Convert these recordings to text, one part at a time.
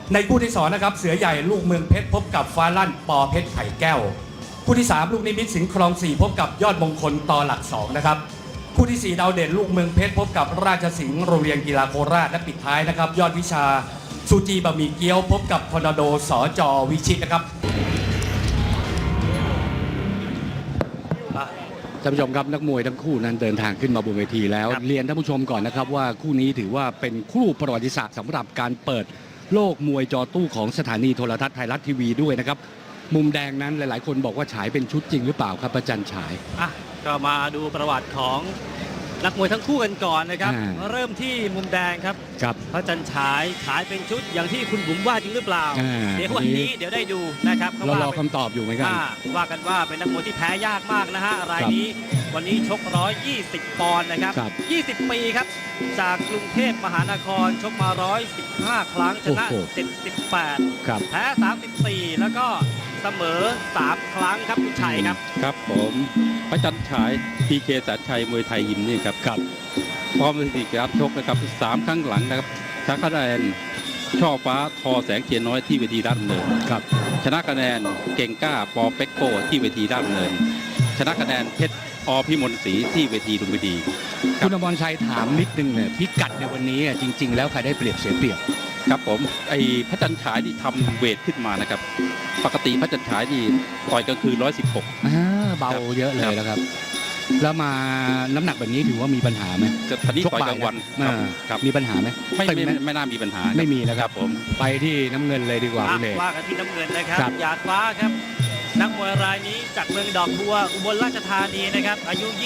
ในคู่ที่2นะครับเสือใหญ่ลูกเมืองเพชรพบกับฟ้าลั่นปอเพชรไข่แก้วคู่ที่3ลูกนิมิตสิงห์คลอง4พบกับยอดมงคลต่อหลัก2นะครับคู่ที่4ดาวเด่นลูกเมืองเพชรพบกับราชสิงห์โรงเรียนกีฬาโคราชและปิดท้ายนะครับยอดวิชาซูจีบะหมี่เกี๊ยวพบกับทอร์นาโดสจวิชิตนะครับท่านผู้ชมครับนักมวยทั้งคู่นั้นเดินทางขึ้นมาบนเวทีแล้วเรียนท่านผู้ชมก่อนนะครับว่าคู่นี้ถือว่าเป็นคู่ประวัติศาสตร์สำหรับการเปิดโลกมวยจอตู้ของสถานีโทรทัศน์ไทยรัฐทีวีด้วยนะครับมุมแดงนั้นหลายๆคนบอกว่าฉายเป็นชุดจริงหรือเปล่าครับประจันฉายก็มาดูประวัติของนักมวยทั้งคู่กันก่อนนะครับเริ่มที่มุมแดงครับพระจันทร์ฉายเป็นชุดอย่างที่คุณบุ๋มว่าจริงหรือเปล่าเดี๋ยววันนี้เดี๋ยวได้ดูนะครับเรารอคำตอบอยู่ไหมครับว่ากันว่าเป็นนักมวยที่แพ้ยากมากนะฮะรายนี้วันนี้ชก120 ปอนด์นะครับ20 ปีครับจากกรุงเทพมหานครชกมา115 ครั้งชนะ78แพ้34แล้วก็เสมอ3 ครั้งครับคุณชัยครับผมพระจันทร์ฉายพีเคแสนชัยมวยไทยยิมนี่ครับพร้อมสถิติการชกนะครับ3 ครั้งหลังนะครับชนะคะแนนช่อฟ้าทอแสงเทียนน้อยที่เวทีราชดำเนินชนะคะแนนเก่งกล้าปอเป็กโก้ที่เวทีราชดำเนินชนะคะแนนเพชรอพิมลศรีที่เวทีลุมพินีคุณอมรชัยถามนิดนึงเนี่ยพิกัดในวันนี้จริงๆแล้วใครได้เปรียบเสียเปรียบครับผมไอ้พระจันทร์ฉายที่ทำเวทขึ้นมานะครับปกติพระจันทร์ฉายนี่ต่อยกลางคืน116 เบาเยอะเลยนะครับแล้วมาน้ำหนักแบบนี้ถือว่ามีปัญหาไหมตอนนี้ต่อยกลางวันมีปัญหาไหมไม่น่ามีปัญหาไม่มีนะครับผมไปที่น้ำเงินเลยดีกว่าว่ากันที่น้ำเงินนะครับหยาดฟ้าครับนักมวยรายนี้จากเมืองดอกบัวอุบลราชธานีนะครับอายุ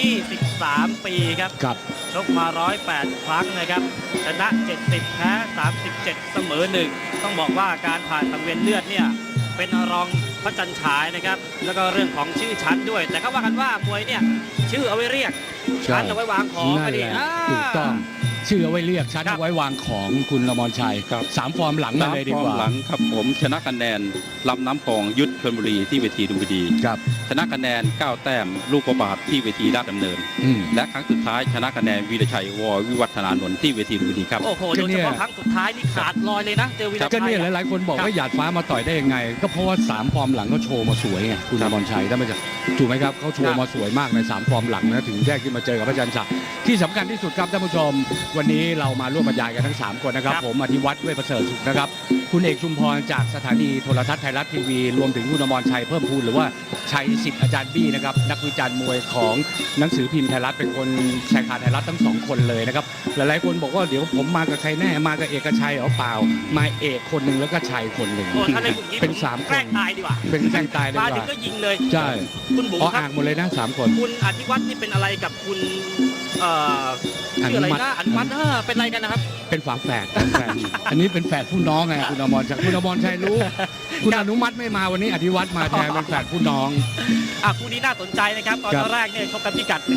23 ปีครับชกมา108 ครั้งนะครับชนะ70แพ้37เสมอ1ต้องบอกว่าการผ่านสังเวียนเลือดเนี่ยเป็นรองพระจันทร์ฉายนะครับแล้วก็เรื่องของชื่อชั้นด้วยแต่เขาว่ากันว่ามวยเนี่ยชื่อเอาไว้เรียกชั้นเอาไว้วางของก็ดีถูกต้องชื่อเอาไว้เรียกชั้นเอาไว้วางของคุณอมรชัย3 ฟอร์มหลังมาเลยดีกว่าหลังครับผมชนะคะแนนลำน้ำพองยุทธชลบุรีที่เวทีลุมพินีชนะคะแนน9 แต้มลูกประบาทที่เวทีราชดำเนินและครั้งสุดท้ายชนะคะแนนวีรชัยววิวัฒนานนท์ที่เวทีลุมพินีครับโอ้โหโดยเฉพาะครั้งสุดท้ายนี่ขาดลอยเลยนะเจอวีรชัยก็เนี่ยหลายๆคนบอกว่าหยาดฟ้ามาต่อยได้ยังไงก็เพราะว่า3 ฟอร์มหลังเขาโชว์มาสวยไงคุณอมรชัยถ้าไม่จะถูกไหมครับเขาโชว์มาสวยมากใน3 ฟอร์มหลังนะถึงแยกขึ้นมาเจอกับพระจันทร์ฉายที่สำคัญที่สุดครับท่านผู้ชมวันนี้เรามาร่วมบรรยายกันทั้ง3 คนนะครับผมอธิวัฒน์เวชประเสริฐสุขนะครับคุณเอกชุมพรจากสถานีโทรทัศน์ไทยรัฐทีวีรวมถึงคุณอมรชัยเพิ่มพูนหรือว่าชัยสิทธิ์อาจารย์บี้นะครับนักวิจารณ์มวยของหนังสือพิมพ์ไทยรัฐเป็นคนแชร์ข่าวไทยรัฐทั้ง2 คนเลยนะครับหลายๆคนบอกว่าเดี๋ยวผมมากับใครแน่มากับเอกชัยเอาเปล่ามาเอกคนหนึ่งแล้วก็ชัยคนหนึ่งเป็น3 คนแกล้งตายดีกว่าเป็นแกล้งตายดีกว่ามาถึงก็ยิงเลยใช่คุณบุ๋มอ่างหมดเลยนะ3 คนคุณอธิวัฒน์นี่เป็นอะไรกับคุณชื่ออะไรนะอนุมัติเป็นอะไรกันนะครับเป็นฝาแฝดอันนี้เป็นแฝดผู้น้องไงคุณอมรชัยคุณอมรชัยรู้คุณอนุมัติไม่มาวันนี้อธิวัฒน์มาแทนเป็นแฝดผู้น้องคู่นี้น่าสนใจนะครับตอนแรกเนี่ยชกกันพิกัด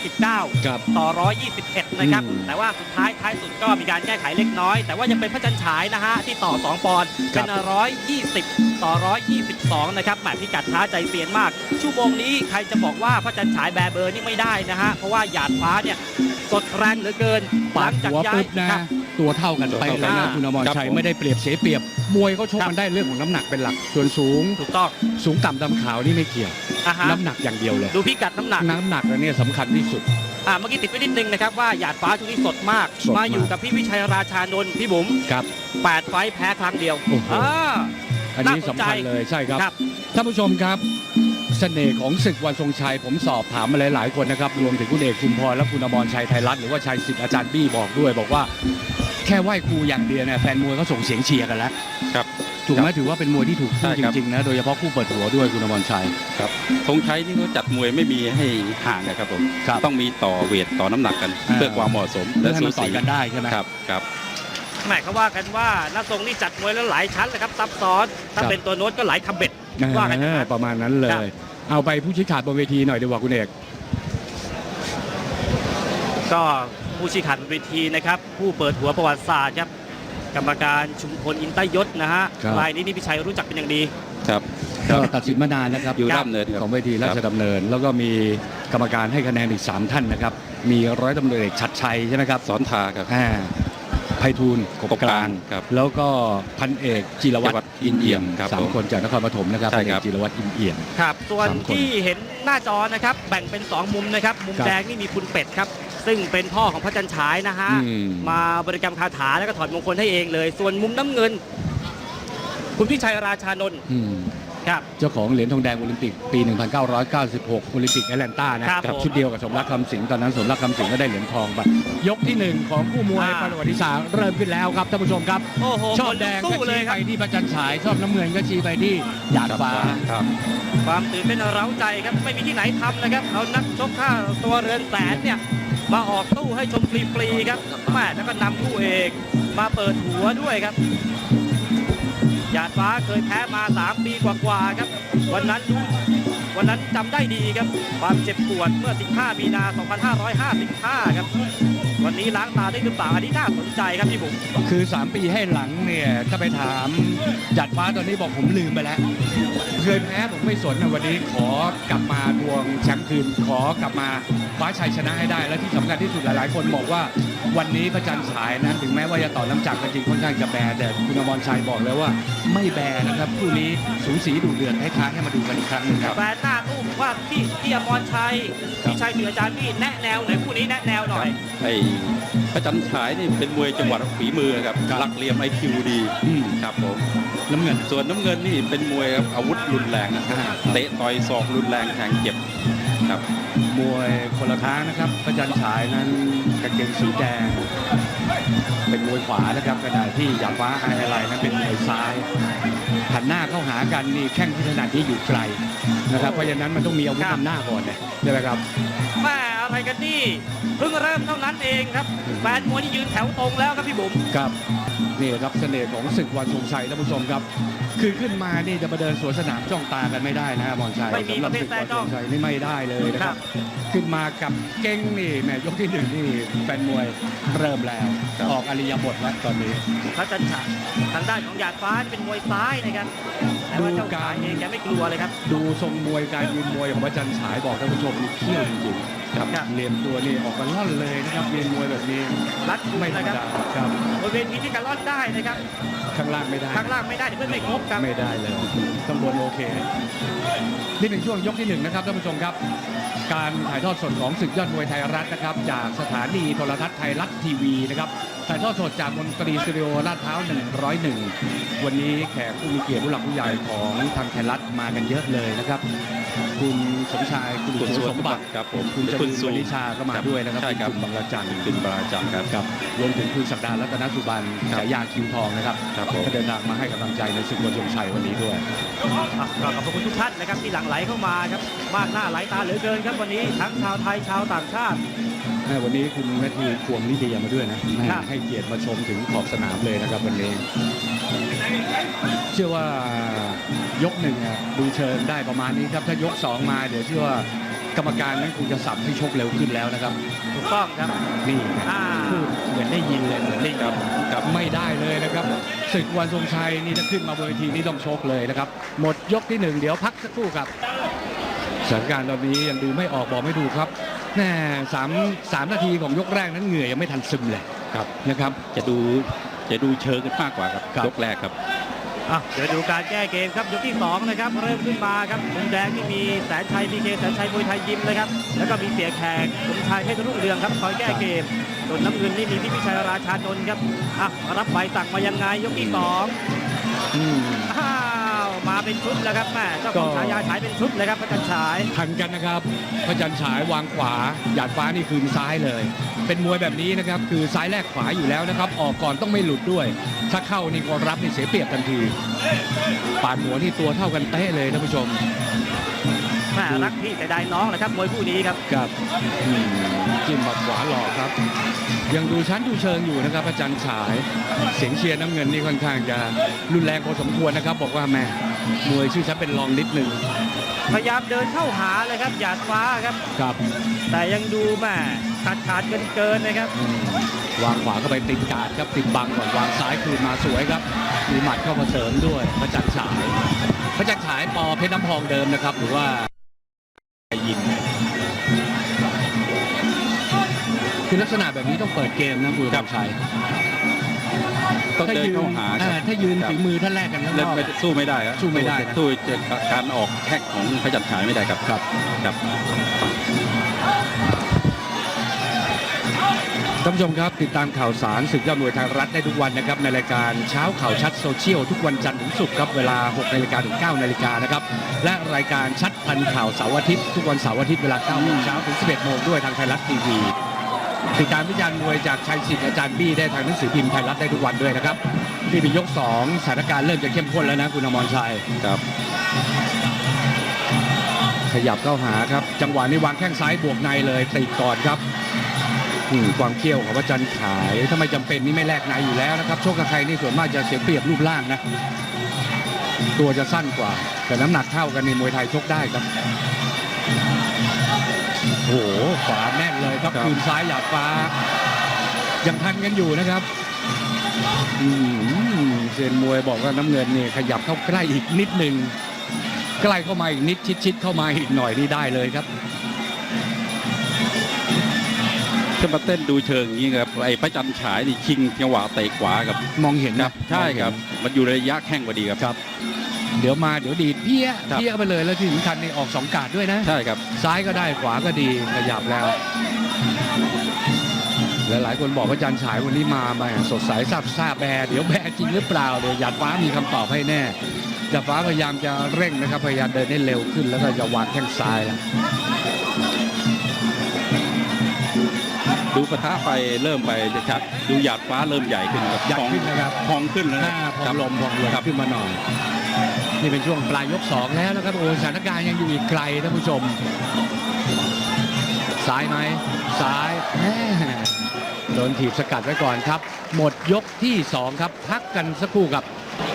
119ต่อ121นะครับแต่ว่าสุดท้ายสุดก็มีการแก้ไขเล็กน้อยแต่ว่ายังเป็นพระจันทร์ฉายนะฮะที่ต่อ2 ปอนด์เป็น120ต่อ122นะครับแหมพิกัดท้าใจเซียนมากชั่วโมงนี้ใครจะบอกว่าพระจันทร์ฉายแบเบอร์นี่ไม่ได้นะฮะเพราะว่าหยาดฟ้าเนี่ยสดแรงเหลือเกินหลังจากย้ายนะตัวเท่ากันไปเลยนะคุณอมรชัยไม่ได้เปรียบเสียเปรียบมวยเขาชกกันได้เรื่องของน้ำหนักเป็นหลักส่วนสูงถูกต้องสูงต่ำดำขาวนี่ไม่เกี่ยวน้ำหนักอย่างเดียวเลยดูพิกัดน้ำหนักแล้วเนี่ยสำคัญที่สุดเมื่อกี้ติดไว้นิดนึงนะครับว่าหยาดฟ้าช่วงนี้สดมากมาอยู่กับพี่วิชัยราชานนท์พี่บุ๋ม8 ไฟท์แพ้ครั้งเดียวอันนี้สำคัญเลยใช่ครับท่านผู้ชมครับเสน่ห์ของศึกวันทรงชัยผมสอบถามมาหลายๆคนนะครับรวมถึงคุณเอกชุมพรและคุณอมรชัยไทยรัฐหรือว่าชัยสิทธิ์อาจารย์บี้บอกด้วยบอกว่าแค่ไหว้ครูอย่างเดียวเนี่ยแฟนมวยเขาส่งเสียงเชียร์กันแล้วถูกไหมถือว่าเป็นมวยที่ถูกคู่จริงๆนะโดยเฉพาะคู่เปิดหัวด้วยคุณอมรชัยครับธงชัยนี่เขาจัดมวยไม่มีให้ห่างนะครับผมต้องมีต่อเวทต่อน้ำหนักกันเพื่อความเหมาะสมและสูสีกันได้ใช่ไหมครับแม่เขาว่ากันว่านักทรงนี่จัดมวยแล้วหลายชั้นเลยครับซับซ้อนถ้าเป็นตัวโน้ตก็หลายทำเบ็ดว่ากันประมาณนั้นเลยเอาไปผู้ชี้ขาดบนเวทีหน่อยดีกว่าคุณเอกก็ผู้ชี้ขาดบนเวทีนะครับผู้เปิดหัวประวัติศาสตร์ครับกรรมการชุมพลอินทยศนะฮะรายนี้นี่พี่ชัยรู้จักเป็นอย่างดีก็ตัดสินมานานนะครับอยู่ด้านเนินของเวทีราชดำเนินแล้วก็มีกรรมการให้คะแนนอีก3 ท่านนะครับมีร้อยตำรวจเอกชัดชัยใช่ไหมครับสอนทาครับไพฑูรย์กบกลางครับแล้วก็พันเอกจิรวัตรอินเอี่ยมครับสามคนจากนครปฐมนะครับใช่พันเอครักบจิรวัตรอินเอี่ยมครับส่วน 3 คนที่เห็นหน้าจอนะครับแบ่งเป็น 2 มุมนะครับมุมครับแดงนี่มีคุณเป็ดครับซึ่งเป็นพ่อของพระจันทร์ฉายนะฮะอืมมาบริกรรมคาถาแล้วก็ถอดมงคลให้เองเลย ส่วนมุมน้ำเงิน คุณพิชัยราชานนท์อืมครับเจ้าของเหรียญทองแดงโอลิมปิกปี 1996 โอลิมปิกแอตแลนตานะครับผมชุดเดียวกับสมรักคำสิงห์ตอนนั้นสมรักคำสิงห์ก็ได้เหรียญทองไปยกที่ 1 ของคู่มวยประวัติศาสตร์เริ่มขึ้นแล้วครับท่านผู้ชมครับโอ้โหชอบแดงสู้ก็เลยชี้คไปรับที่พระจันทร์ฉายชอบน้ำเงินก็ชี้ไปที่หยาดฟ้าครับความตื่นเต้นเร้าใจครับไม่มีที่ไหนทำนะครับเอานักชกค่าตัวเรือนแสนเนี่ยมาออกตู้ให้ชมฟรีๆครับแม่แล้วก็นำคู่เอกมาเปิดหัวด้วยครับหยาดฟ้าเคยแพ้มา 3 ปีกว่าๆครับวันนั้นจำได้ดีครับความเจ็บปวดเมื่อ 15 มีนา 2555 ครับวันนี้ล้างตาได้หรือเปล่าอันนี้น่าสนใจครับพี่บุ๋มคือ 3 ปีให้หลังเนี่ยถ้าไปถามหยาดฟ้าตอนนี้บอกผมลืมไปแล้วเคยแพ้ผมไม่สนนะวันนี้ขอกลับมาทวงแชมป์คืนขอกลับมาคว้าชัยชนะให้ได้และที่สำคัญที่สุดหลายๆ คนบอกว่าวันนี้พระจันทร์ฉายนะถึงแม้ว่าจะต่อน้ำจักรก็จริงค่อนข้างจะแบแต่คุณอมรชัยบอกแล้วว่าไม่แบนะครับคู่นี้สูสีดุเดือดให้ท้ายให้มาดูกันอีกครั้งหนึงครับแฟนหน้าตู้บอกว่าพี่อมรชัยพี่ชัยเหนืออาจารย์พี่แนะแนวหน่อยคู่นี้แนะแนวหน่อยไอ้พระจันทร์ฉายนี่เป็นมวยจังหวัดฝีมือครับครับหลักเหลี่ยม IQ ดีอืมครับผมน้ำเงินส่วนน้ำเงินนี่เป็นมวยครับอาวุธรุนแรงนะครับเตะต่อยศอกรุนแรงแทงเจ็บครับมวยคนละทางนะครับพระจันทร์ฉายนั้นกางเกงสีแดงเป็นมวยขวานะครับขณะที่หยาดฟ้าไฮไลท์นั้นเป็นมวยซ้ายหันหน้าเข้าหากันนี่แข้งที่ถนัดที่อยู่ไกลนะครับเพราะฉะนั้นมันต้องมีอาวุธนำหน้าก่อนเนี่ยใช่ไหมครับแม่อะไรกันนี่เพิ่งเริ่มเท่านั้นเองครับแฟนมวยที่ยืนแถวตรงแล้วครับพี่บุ๋มครับนี่ครับเสน่ห์ของศึกวันทรงชัยท่านผู้ชมครับคือขึ้นมานี่จะมาเดินสวนสนามจ้องตากันไม่ได้นะมอนชัยไม่มีสำหปรับระเภทศึกแซ่วันทจ้อรง งชัยนี่ไม่ได้เลยนะคครัรับ บขึ้นมากับเก้งนี่แหมยกที่ 1นี่แฟนมวยเริ่มแล้วครับออกอริยบทแล้วตอนนี้พระจันทร์ฉายทางด้านของหยาดฟ้าเป็นมวยซ้ายนะครับแต่ว่าเจ้าดูการชายเองแกไม่กลัวเลยครับดูทรงมวยการยืนมวยของพระจันทร์ฉายบอกท่านผู้ชมนี่เขี้ยวจริงๆครับครับเรียนตัวนี่ออกกันล่อนเลยนะครับเรียนมวยแบบนี้รัดกุมไม่ธรรมนะครับดาครับบนเวทีที่การล่อนได้นะครับข้างล่างไม่ได้ข้างล่างไม่ได้เดี๋ยวเพื่อนไม่ครบครับไม่ได้เลยข้างบนโอเค นี่เป็นช่วงยกที่ 1นะครับท่านผู้ชมครับ การถ่ายทอดสดของศึกยอดมวยไทยรัฐนะครับ จากสถานีโทรทัศน์ไทยรัฐทีวีนะครับถ่ายทอดสดจากมนตรีสตูดิโอลาดพร้าว101 วันนี้แขกผู้มีเกียรติผู้หลักผู้ใหญ่ของทางไทยรัฐมากันเยอะเลยนะครับ คุณสมชายคุณคุณสุสสมมบับัติติครับผมคุณจคุรุณนสุวนิชาก็มาด้วยนะครับใช่ครับคุณบางระจันทร์เป็นบาราจังครับครับรวมถึงคุณศักดารัตนสุบันครับฉายาคิวทองนะครับครับผมก็เดินทางมาให้กำลังใจในศึกวันทรงชัยวันนี้ด้วยอ่ะก็ขอบคุณทุกท่านนะครับที่หลั่งไหลเข้ามาครับมากหน้าหลายตาเหลือเกินครับวันนี้ทั้งชาวไทยชาวต่างชาติวันนี้คุณแมทธิวควงลิเดียมาด้วยนะครับให้เกียรติมาชมถึงขอบสนามเลยนะครับวันนี้ เชื่อว่ายก 1อ่ะดูเชิงได้ประมาณนี้ครับ ถ้ายก 2 มาเดี๋ยวเชื่อว่ากรรมการนั้นคงจะสับให้ชกเร็วขึ้นแล้วนะครับถูกต้องครับนี่อ่าพูดเหมือนได้ยินเลยเหมือนได้ยินครับไม่ได้เลยนะครับศึกวันทรงชัยนี่ถ้าขึ้นมาบนเวทีนี่ต้องชกเลยนะครับ หมดยกที่ 1 เดี๋ยวพักสักครู่ครับสถานการณ์ตอนนี้ยังดูไม่ออกบอกไม่ดูครับแน่3 นาทีของยกแรกนั้นเหงื่อยังไม่ทันซึมเลยครับนะครับจะดูเชิงกันมากกว่าครับครับยกแรกครับอ่ะเดี๋ยวดูการแก้เกมครับยกที่2นะครับเริ่มขึ้นมาครับมุมแดงที่มีแสนชัยพีเคแสนชัยมวยไทยยิมเลยครับแล้วก็มีเสียแขกสมชายเพชรรุ่งเรืองครับคอยแก้เกมส่วนน้ำเงินนี่มีพี่พิชัยราชานนท์ครับอ่ะรับใบสั่งมายังไงยกที่2 อืมอ้าวมาเป็นชุดแล้วครับแม่เจ้าของก็ฉายาฉายเป็นชุดเลยครับพระจันทร์ฉายทันกันนะครับพระจันทร์ฉายวางขวาหยาดฟ้านี่คืนซ้ายเลย เป็นมวยแบบนี้นะครับคือซ้ายแลกขวาอยู่แล้วนะครับออกก่อนต้องไม่หลุดด้วย ถ้าเข้านี่ก็รับนี่เสียเปรียบทันทีปาดหัวนี่ตัวเท่ากันเต้เลยท่านผู้ชมแม่รักพี่แต่ได้น้องนะครับมวยคู่นี้ครับครับจิ้มหมัดขวาหลอกครับ ยังดูชั้นดูเชิงอยู่นะครับพระจันทร์ฉายเสียงเชียร์น้ำเงินนี่ค่อนข้างจะรุนแรงพอสมควรนะครับ บอกว่าแม่มวยชื่อชั้นเป็นรองนิดนึงพยายามเดินเข้าหาเลยครับหยาดฟ้าครับครับแต่ยังดูแม่ขาดเกินนะครับวางขวาเข้าไปติดกาดครับติดบังก่อนวางซ้ายคืนมาสวยครับมีหมัดเข้ามาเสริมด้วยพระจันทร์ฉายพระจันทร์ฉายปอเพชรน้ำพองเดิมนะครับหรือว่ายินคือลักษณะแบบนี้ต้องเปิดเกมนะคุณกำชัยต้องเดินเข้าหาครับถ้ายืนฝีมือท่านแรกกันข้างนเล่นอกไม่สู้ไม่ได้ครับสู้ไม่ได้นะสู้การออกแท็กของพระจันทร์ฉายไม่ได้ครับครับครับท่านผู้ชมครับติดตามข่าวสารศึกยอดมวยไทยรัฐได้ทุกวันนะครับในรายการเช้าข่าวชัดโซเชียลทุกวันจันทร์ถึงศุกร์ครับเวลา 6 นาฬิกาถึง 9 นาฬิกานะครับและรายการชัดทันข่าวเสาร์อาทิตย์ทุกวันเสาร์อาทิตย์เวลา 9 โมงเช้าถึง 11 โมงด้วยทางไทยรัฐทีวีติดตามวิจารณ์มวยจากชัยศิษย์อาจารย์บี้ได้ทางหนังสือพิมพ์ไทยรัฐได้ทุกวันด้วยนะครับนี่เป็นยก 2สถานการณ์เริ่มจะเข้มข้นแล้วนะคุณอมรชัยครับขยับเข้าหาครับจังหวะนี้วางแข้งซ้ายบวกในเลยติดก่อนครับความเขี้ยวของพระจันทร์ฉายถ้าไม่จำเป็นนี่ไม่แลกในอยู่แล้วนะครับโชคกับใครนี่ส่วนมากจะเสียเปรียบรูปร่างนะตัวจะสั้นกว่าแต่น้ำหนักเท่ากันในมวยไทยชกได้ครับโอ้โหขวาแน่นเลยครับคืนซ้ายหยาดฟ้ายังทันกันอยู่นะครับเซียนมวยบอกว่าน้ำเงินนี่ขยับเข้าใกล้อีกนิดนึงใกล้เข้ามาอีกนิดชิดๆเข้ามาอีกหน่อยนี่ได้เลยครับจะมาเต้นดูเชิงอย่างนี้ครับไอ้พระจันทร์ฉายนี่ชิงจังหวะเตะขวากับมองเห็นคนะรับใช่ครับมันอยู่ในระยะแข้งพอดีครับครับ เดี๋ยวมาเดี๋ยวดีดเพี้ยครับเพี้ยไปเลยแล้วที่สำคัญนี่ออก2 กาดด้วยนะใช่ครับซ้ายก็ได้ขวาก็ดีขยับแล้วหลายๆคนบอกว่าจันฉายวันนี้มาสดใสซาบแบร์เดี๋ยวแบร์จริงหรือเปล่าเดี๋ยวหยาดฟ้ามีคำตอบให้แน่หยาดฟ้าพยายามจะเร่งนะครับพยายามเดินให้เร็วขึ้นแล้วก็จะวางแข้งซ้ายแล้วดูปะทะไปเริ่มไปชัดดูหยาดฟ้าเริ่มใหญ่ขึ้นครับใหญ่ขึ้นนะครับพองขึ้นแล้วหนะน้าพคอรับงลมครับขึ้นมาหน่อยนี่เป็นช่วงปลายยก 2แล้วนะครับโอ้สถานการณ์ยังอยู่อีกไกลท่านผู้ชมซ้ายไหมซ้ายแม่โดนถีบสกัดไว้ก่อนครับหมดยกที่ 2ครับพักกันสักครู่ครับ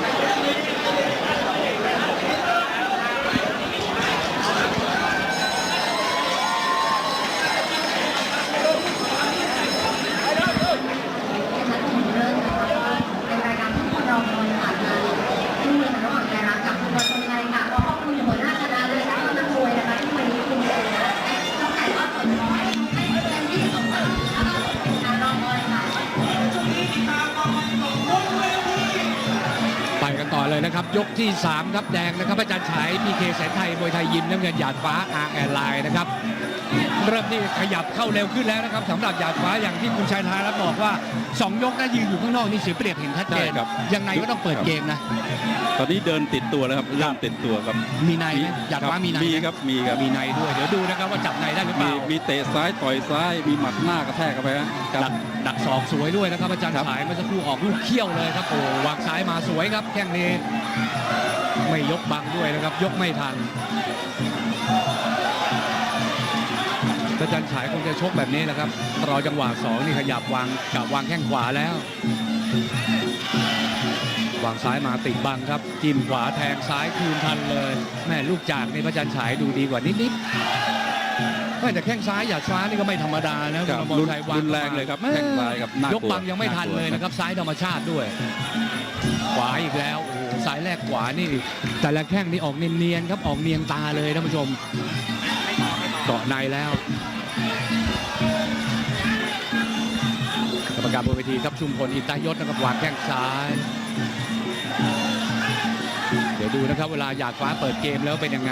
ไปกันต่อเลยนะครับยกที่ 3ครับแดงนะครับอาจารย์ฉายพีเคแสนไทยมวยไทยยิมน้ำเงินหยาดฟ้าอาร์แอนไลน์นะครับเริ่มที่ขยับเข้าเร็วขึ้นแล้วนะครับสำหรับหยาดฟ้าอย่างที่คุณชัยธารับบอกว่า2 ยกนะยืนอยู่ข้างนอกนี่เสียเปรียบเห็นชัดเจนใช่ครับยังไงก็ต้องเปิดเกมนะตอนนี้เดินติดตัวแล้วครับเริ่มติดตัวครับมีในไหมหยาดฟ้ามีในไหมีครับมีครับมีในด้วยเดี๋ยวดูนะครับว่าจับในได้หรือเปมีล่ามีเตะซ้ายต่อยซ้ายมีหมัดหน้ากระแทกเข้าไปครับดักศอกสวยด้วยนะครับอาจารย์ครับฉายเมื่อสักครู่ออกลูกเขี้ยวเลยครับโอ้วางซ้ายมาสวยครับแข้งนี้ไม่ยกบังด้วยนะครับยกไม่ทันอาจารย์ฉายคงจะชกแบบนี้แหละครับรอจังหวะ2นี่ขยับวางกับวางแข้งขวาแล้ววางซ้ายมาติดบังครับจิ้มขวาแทงซ้ายคืนทันเลยแม่ลูกจากนี่พระจันทร์ฉายดูดีกว่านิดๆแต่แข้งซ้ายหยาดฟ้านี่ก็ไม่ธรรมดานะครับคุณอมรชัยวางรุนแรงเลยครับแข้งซ้ายครับน่ากลัวยกบังยังไม่ทันเลยนะครับซ้ายธรรมชาติด้วย ขวาอีกแล้วโอ้โหซ้ายแรกขวานี่แต่ละแข้งนี่ออกเนียนๆครับออกเนียงตาเลยท่านผู้ชมเกาะในแล้วกรรมการบนเวทีครับชุมพลอินตายศนะครับวางแข้งซ้าย เดี๋ยวดูนะครับเวลาหยาดฟ้าเปิดเกมแล้วเป็นยังไง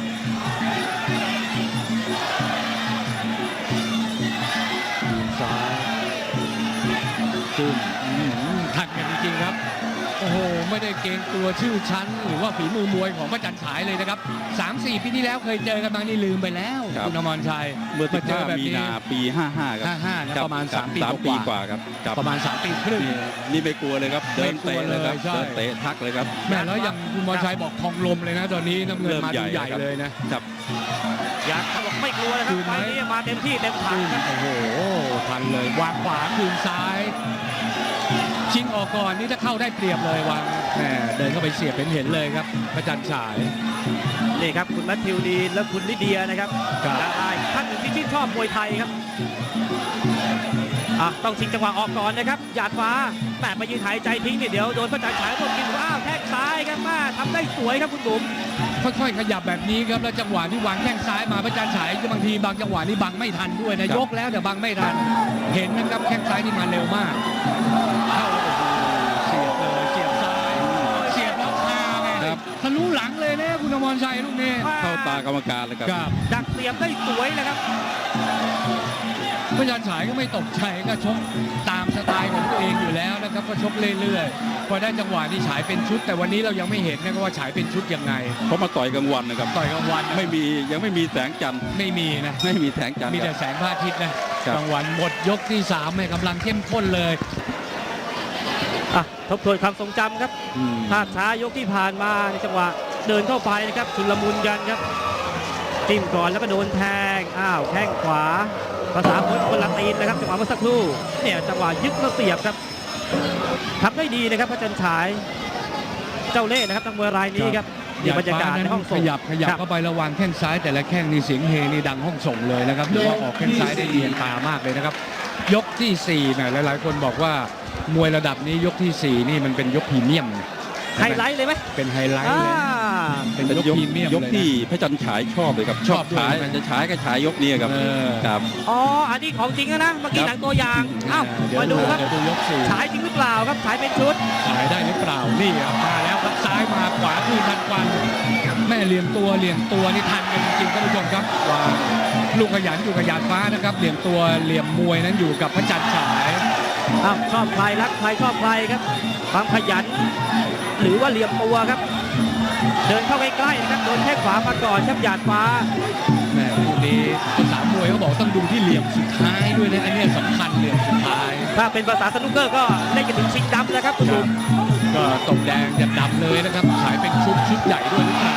ซ้ายจุ่มทันกันจริงๆครับโอ้โหไม่ได้เกรงกลัวชื่อชั้นหรือว่าฝีมือมวยของพระจันทร์ฉายเลยนะครับ 3-4 ปีที่แล้วเคยเจอกันบางนี่ลืมไปแล้วครับคุณอมรชัยเมื่อเจอแบบ 15 มีนี้นาปี 55 ครับ 55นะประมาณคบ 3 ปีสามกปีว่ากว่าครับครับประมาณ3 ปีครึ่งนี่ไม่กลัวเลยครับเดินเตะเลยครับไม่กลัวเลยใช่เดินเตะทักเลยครับแม่แล้วอย่างคุณมรชัยบอกทองลมเลยนะตอนนี้น้ำเงินมาดูใหญ่เลยนะครับอยากเขาบอกไม่กลัวนะครับคืนไหมไฟล์นี้มาเต็มที่เต็มถังโอ้โหทันเลยวางขวาคืนซ้าย ชิงออกก่อนนี่ถ้าเข้าได้เปรียบเลยวางแหมเดินเข้าไปเสียบเห็นเลยครับพระจันทร์ฉายนี่ครับคุณแมทธิวดีนและคุณลิเดียนะครับครับดาราอีกท่านหนึ่งที่ชื่นชอบมวยไทยครับต้องชิงจังหวะออกก่อนนะครับหยาดฟ้าแหมไปยืนหายใจทิ้งเนี่ยเดี๋ยวโดนพระจันทร์ฉายรวบกินอ้าวแทกซ้ายครับมาทำได้สวยครับคุณบุ๋มค่อยๆขยับแบบนี้ครับแล้วจังหวะที่วางแข้งซ้ายมาพระจันทร์ฉายบางทีบางจังหวะนี่บังไม่ทันด้วยนะครับ ยกแล้วแต่บังไม่ทัน เห็นนะครับแข้งซ้ายนี่มาเร็วมากเข้าโอ้โหทะลุหลังเลยนะคุณอมรชัยลูกนี้เข้าตากรรมการเลยครับครับดักเสียบได้สวยเลยครับพยัญฉายก็ไม่ตกใจก็ชกตามสไตล์ของตัวเองอยู่แล้วนะครับก็ชกเรื่อยๆพอได้จังหวะที่ฉายเป็นชุด แต่วันนี้เรายังไม่เห็นนะครับว่าฉายเป็นชุดยังไงเขามาต่อยกลางวันนะครับต่อยกลางวันยังไม่มีแสงจันทร์ไม่มีนะไม่มีแสงจันทร์มีคแต่รับแสงพระอาทิตย์นะครับ กลางวันหมดยกที่3ให้กำลังเข้มข้นเลยอ่ะทบทวนความทรงจำครับอืมภาพช้ายกที่ผ่านมาในจังหวะเดินเข้าไปนะครับชุลมุนกันครับจิ้มก่อนแล้วก็โดนแทงแข้งขวาภาษาคนละตีนนะครับจังหวะเมื่อสักครู่เนี่ยจังหวะยึดแล้วเสียบครับทำได้ดีนะครับพระจันทร์ฉายเจ้าเล่ห์นะครับนักมวยรายนี้ครับนี่บรรยากาศในห้องส่งขยับครับเข้าไประวังแข้งซ้ายแต่ละแข้งนี่เสียงเฮนี่ดังห้องส่งเลยนะครับหรือว่าออกแข้งซ้ายได้เรียนตามากเลยนะครับยกที่4เนี่ยหลายๆคนบอกว่ามวยระดับนี้ยกที่4นี่มันเป็นยกพรีเมียมไฮไลท์เลยไหมเป็นไฮไลท์เลย เป็นเป็นยกยกพรีเมียมยกเลยที่นะพระจันทร์ฉายชอบเลยครับชอบด้วยฉายใช่ไหมจะฉายก็ฉายยกนี้ครับเออครับอ๋ออันนี้ของจริงนะเมื่อกี้ครับหนังตัวอย่างเดี๋ยวมาดูครับเดี๋ยวดูยก4 ฉายจริงหรือเปล่าครับฉายเป็นชุดฉายได้หรือเปล่านี่ครับมาแล้วครับซ้ายมาขวาคืนทันควันแม่เหลี่ยมตัวนี่ทันกันจริงๆท่านผู้ชมครับวางลูกขยันอยู่กับหยาดฟ้านะครับเหลี่ยมตัวเหลี่ยมมวยนั้นอยู่กับพระจันทร์ฉายชอบใครรักใครชอบใครครับความขยัน หรือว่าเหลี่ยมตัวครับ เดินเข้าใกล้ๆนะครับโดนแข้งขวามาก่อนครับหยาดฟ้าแม่คู่นี้ภาษามวยเขาบอกต้องดูที่เหลี่ยมสุดท้ายด้วยนะอันนี้สำคัญเหลี่ยมสุดท้ายถ้าเป็นภาษาสนุกเกอร์ก็เล่นกันถึงชิงดำแล้วครับคุณลุงก็ตกแดงจะดำเลยนะครับฉายเป็นชุดใหญ่ด้วยหรือเปล่า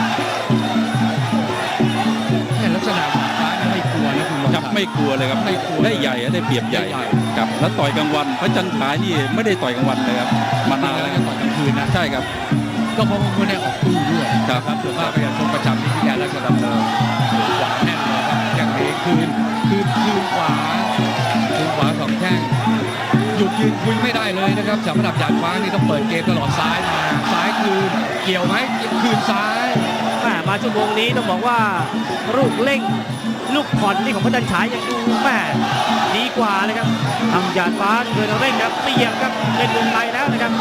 แม่ลักษณะหยาดฟ้านี่ไม่กลัวนะคุณครับไม่กลัวเลยครับไม่กลัวได้ใหญ่ได้เปรียบใหญ่ได้ใหญ่ครับแล้วต่อยกลางวันพระจันทร์ฉายนี่ไม่ได้ต่อยกลางวันเลยครับมานานแล้แล้ว วก็ต่อยกลางคืนนะใช่ครับก็เพราะว่าคนได้ออกตู้ด้วยครับส่วนมากก็จะชมประจำที่พิการราชดำเนินขวาแน่นเลยครับอย่างนี้คืนขวาสองแข้งหยุดยืนคุยไม่ได้เลยนะครับสำหรับหยาดฟ้านี่ต้องเปิดเกมตลอดซ้ายมาซ้ายคืนเกี่ยวไหมคืนซ้ายมาชั่วโมงนี้ต้องบอกว่าลูกเร่งลูกผ่อนนี่ของพระจันทร์ฉายยังดูแม่ดีกว่าเลยครับทำหยาดฟ้าเดินเร่งครับเตียงครับเล่นวงในแล้วนะครับ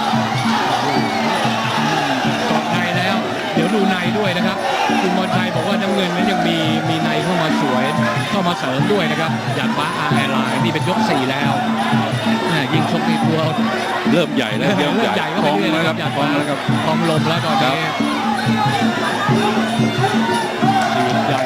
กอดในแล้ว เดี๋ยวดูในด้วยนะครับคุณมรชัยบอกว่าน้ำเงินนั้นยังมีในเข้ามาสวยเข้ามาเสริมด้วยนะครับหยาดฟ้าRLนี่เป็นยก4แล้วยิงชกในตัวเริ่มใหญ่แล้วเริ่มใหญ่ก็พไปองเรื่อยแล้วๆครับหยาดพอฟ้างแล้วครับพองลมแล้วตอนนี้ยืนยัน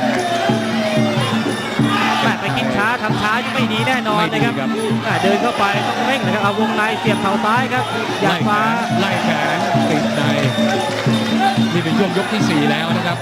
แม่ไปคิดช้าทำช้ายังไม่ดีแน่นอนไม่นะดีครับครับเดินเข้าไปต้องเร่งนะครับเอาวงในเสียบเข่าซ้ายครับหยาดฟ้าไล่แขนติดในนี่เป็นช่วงยกที่4แล้วนะครับ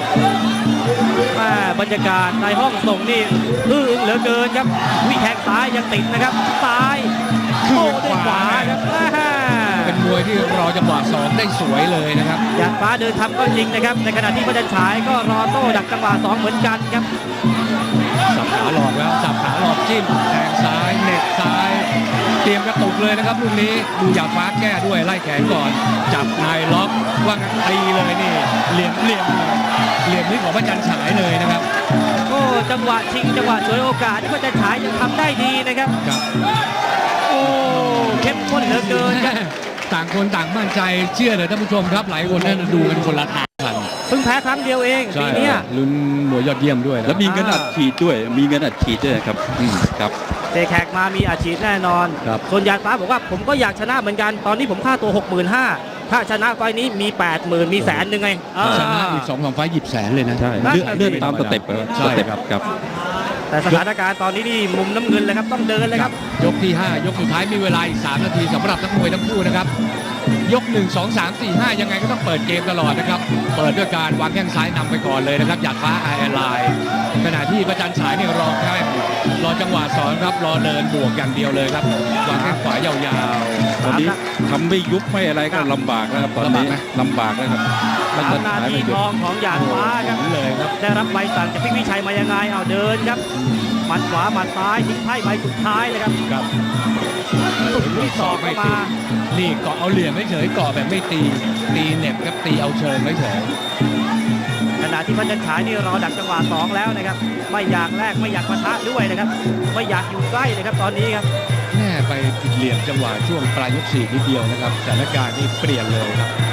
บรรยากาศในห้องส่งนี่อื้ออึงเหลือเกินครับวิ่งแทงซ้ายยังติดนะครับซ้ายโต้ด้วยขวาครับเป็นมวยที่รอจังหวะ2ได้สวยเลยนะครับหยาดฟ้าเดินทำก็จริงนะครับในขณะที่พระจันทร์ฉายก็รอโต้ดักจังหวะ2เหมือนกันครับสับขาหลอกแล้วสับขาหลอกจิ้มแทงซ้ายเหน็บซ้าย เตรียมกระตุกเลยนะครับลูกนี้ดูหยาดฟ้าแก้ด้วยไล่แขนก่อนจับนายล็อกว่างั้นตีเลยนี่เหลี่ยมนี่ของพระจันทร์ฉายเลยนะครับโอ้จังหวะชิงจังหวะฉวยโอกาสที่พระจันทร์ฉายยังทำได้ดีนะครับครับโอ้เข้มข้นเหลือเกินครับต่างคนต่างมั่นใจเชื่อเลยท่านผู้ชมครับหลายคนนั่นดูกันคนละทางกันเพิ่งแพ้ครั้งเดียวเองใช่ปีเนี้ยลุ้นมวยยอดเยี่ยมด้วยนะแล้วมีเงินอัดฉีดด้วยครับครับเตะแขกมามีอาชีพแน่นอนครับส่วนหยาดฟ้าบอกว่าผมก็อยากชนะเหมือนกันตอนนี้ผมค่าตัว 65,000ถ้าชนะไฟล์นี้มี 80,000มี100,000ไงชนะอีก2-3 ไฟล์หยิบแสนเลยนะใช่นั่นเลื่อนน่ะสิตามสเต็ปครับใช่สเต็ปครับครับแต่สถานการณ์ตอนนี้นี่มุมน้ำเงินเลยครับต้องเดินเลยครับยกที่ 5 ยกสุดท้ายมีเวลาอีก3 นาทีสำหรับนักมวยทั้งคู่นะครับยก 1 2 3 4 5 ยังไงก็ต้องเปิดเกมตลอดนะครับเปิดด้วยการวางแข้งซ้ายนำไปก่อนเลยนะครับหยาดฟ้าRLขณะที่พระจันทร์ฉายนี่รอแค่รอจังหวะสอนครับรอเดินบวกอย่างเดียวเลยครับวางแข้งขวายาวตอนนี้ทำไม่ยุบไม่อะไรก็ลำบากแล้วครับตอนนี้ลำบากแล้วครับสามนาทีทองของหยาดฟ้าครับๆเลยครับได้รับใบสั่งจากพี่วิชัยมายังไงเอาเดินครับหมัดขวาหมัดซ้ายทิ้งไพ่ใบสุดท้ายเลยครับครับสุดที่สองเข้ามานี่เกาะเอาเหลี่ยมไม่เฉยเกาะแบบไม่ตีเหน็บครับตีเอาเชิงไม่เฉยขณะที่พระจันทร์ฉายนี่รอดักจังหวะ2แล้วนะครับไม่อยากแลกไม่อยากปะทะด้วยนะครับไม่อยากอยู่ใกล้เลยครับตอนนี้ครับแม่ไปผิดเหลี่ยมจังหวะช่วงปลายยก4นิดเดียวนะครับสถานการณ์นี่เปลี่ยนเลยครับ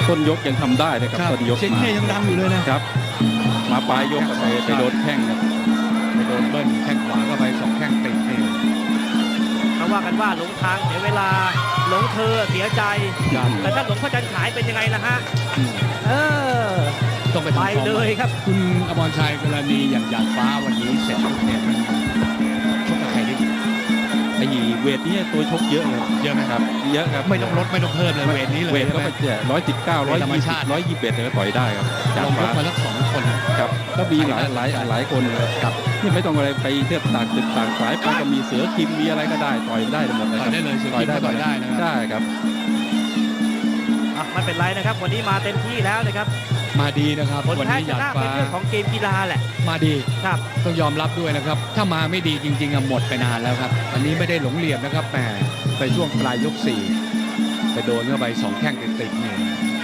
ต้นยกยังทำได้นะครับต้นยกเสียงมาเฮยังดังอยู่เลยนะครับมาปลายยกก็ไปโดนแข้งครับไปโดนเบิ้ลแข้งขวาก็ไป2แข้งติดนี่เขาว่ากันว่าหลงทางเสียเวลาหลงเธอเสียใจครับแต่ถ้าหลงพระจันทร์ฉายเป็นยังไงล่ะฮะอืมเออต้องไปไปทำฟอร์มเลยครับคุณอมรชัยกรณีอย่างหยาดฟ้าวันนี้เสร็จปุ๊บเนี่ยมันชกกับใครได้ดีไอ้เวทนี้ตัวชกเยอะเลยเยอะไหมครับเยอะครับไม่ต้องลดไม่ต้องเพิ่มเลยเวทนี้เลยเวทก็ใช่ไหมไป119 ธรรมชาติ 120 121ก็ต่อยได้ครับจากลงยฟ้ากมาสัก2 คนนะครับก็มีหลายคนเลยครับนี่ไม่ต้องอะไรไปเทียบต่างตึกต่างสายไปก็มีเสือคิมมีอะไรก็ได้ต่อยได้หมดเลยต่คอยรับได้เลยเสือคิมก็ต่อยได้นะครับได้ครับอ่ะไม่เป็นไรนะครับ วันนี้มาเต็มที่แล้วนะครับมาดีนะครับผลวันแพ้นี้ชหยาดนะฟ้าเป็นเรื่องของเกมกีฬาแหละมาดีครับต้องยอมรับด้วยนะครับ ถ้ามาไม่ดีจริงๆอะหมดไปนานแล้วครับอันนี้ไม่ได้หลงเหลี่ยมนะครับแหมไปช่วงปลายยก4ไปโดนเข้าไป2แข้งติดๆนี่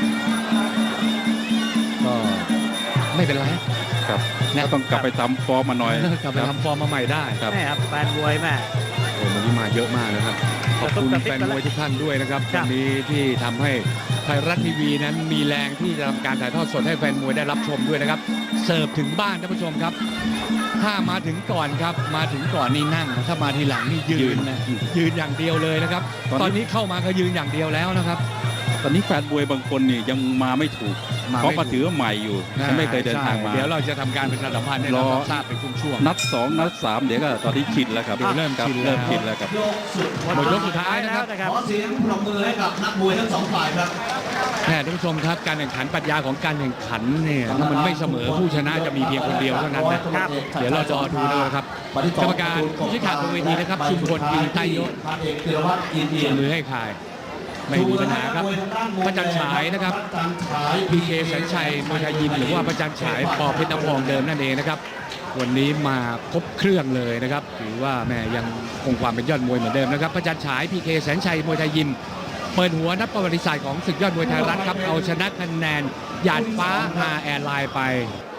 ก็ไม่เป็นไรครับก็ต้องกลับไปทำฟอร์มมาหน่อยกลับไปทำฟอร์มมาใหม่ได้ครับแม่ครับแฟนมวยแม่โอ้วันนี้มาเยอะมากนะครับ ขอบคุณแฟนมวยทุกท่านด้วยนะครับครัวับนนี้ที่ทำให้ไทยรัฐทีวีนั้นมีแรงที่จะทำการถ่ายทอดสดให้แฟนมวยได้รับชมด้วยนะครับ เสิร์ฟถึงบ้านท่านผู้ชมครับ ถ้ามาถึงก่อนครับ มาถึงก่อนนี่นั่ง ถ้ามาทีหลังนี่ยืนนะยืนอย่างเดียวเลยนะครับ ตอนนี้เข้ามาก็ยืนอย่างเดียวแล้วนะครับตอนนี้แฟนมวยบางคนนี่ยังมาไม่ถูกมาไม่ถูกเพราะมาถือว่าใหม่อยู่ยังไม่เคยเดินทางมาใช่เดี๋ยวเราจะทำการประชาสัมพันธ์ให้รเราอทราบเป็นช่วงนัด 2 นัด 3 เดี๋ยวก็ตอนนี้ชินแล้วครับเดี๋ยวเริ่มครับชินแล้วเริ่มชินแล้วครับหมดยกสุดท้ายนะครับแล้วขอเสียงปรบมือให้กับนักมวยทั้งสองฝ่ายครับแม่ท่านผู้ชมครับการแข่งขันปรัชญาของการแข่งขันเนี่ยถ้ามันไม่เสมอผู้ชนะจะมีเพียงคนเดียวเท่านั้นนะครับ เดี๋ยวเรารอดูนะครับกรรมการผู้ชี้ขาดบนเวทีนะครับชุมพลกินไตยศพันเอกธีรวัตรอินเอียมมือให้ขายไม่มีปัญหาครับพระจันทร์ฉายนะครับพระจันทร์ฉายพีเคแสนชัยมวยไทยยิมหรือว่าพระจันทร์ฉายปอเพชรน้ำพองเดิมนั่นเองนะครับวันนี้มาครบเครื่องเลยนะครับถือว่าแม่ยังคงความเป็นยอดมวยเหมือนเดิมนะครับพระจันทร์ฉายพีเคแสนชัยมวยไทยยิมเปิดหัวนับประวัติศาสตร์ของศึกยอดมวยไทยรัฐครับเอาชนะคะแนนหยาดฟ้าฮาแอร์ไลน์ไป